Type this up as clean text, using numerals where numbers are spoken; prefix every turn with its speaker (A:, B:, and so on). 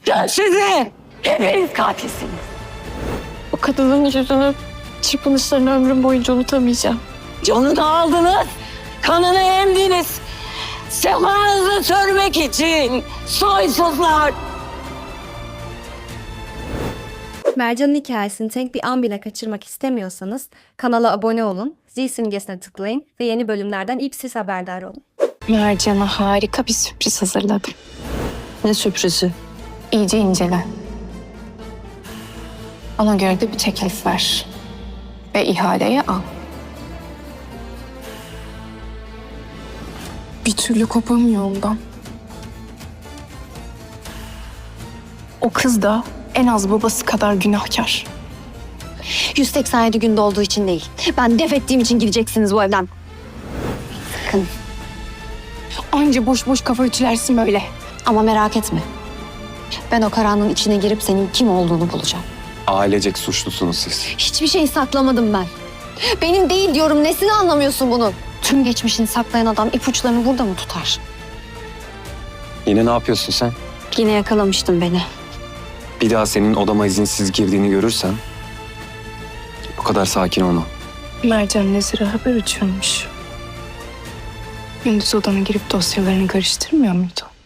A: Sizi! Hepiniz katilsiniz.
B: O kadının yüzünü, çırpınışlarını ömrüm boyunca unutamayacağım.
A: Canını aldınız, kanını emdiniz. Sefanızı sürmek için soysuzlar.
C: Mercan'ın hikayesini tek bir an bile kaçırmak istemiyorsanız kanala abone olun, zil simgesine tıklayın ve yeni bölümlerden ilk siz haberdar olun.
B: Mercan'a harika bir sürpriz hazırladım.
A: Ne sürprizi?
B: İyice incele. Ona göre de bir teklif ver. Ve ihaleyi al. Bir türlü kopamıyor ondan. O kız da en az babası kadar günahkar.
D: 187 günde olduğu için değil. Ben def ettiğim için gideceksiniz bu evden. Sakın.
B: Anca boş boş kafa ütülersin böyle.
D: Ama merak etme. Ben o karanlığın içine girip senin kim olduğunu bulacağım.
E: Ailecek suçlusunuz siz.
D: Hiçbir şey saklamadım ben. Benim değil diyorum. Nesini anlamıyorsun bunu? Tüm geçmişini saklayan adam ipuçlarını burada mı tutar?
E: Yine ne yapıyorsun sen?
D: Yine yakalamıştın beni.
E: Bir daha senin odama izinsiz girdiğini görürsem o kadar sakin olma.
B: Mercan Nezir'e haber uçurmuş. Gündüz odana girip dosyalarını karıştırmıyor muydu?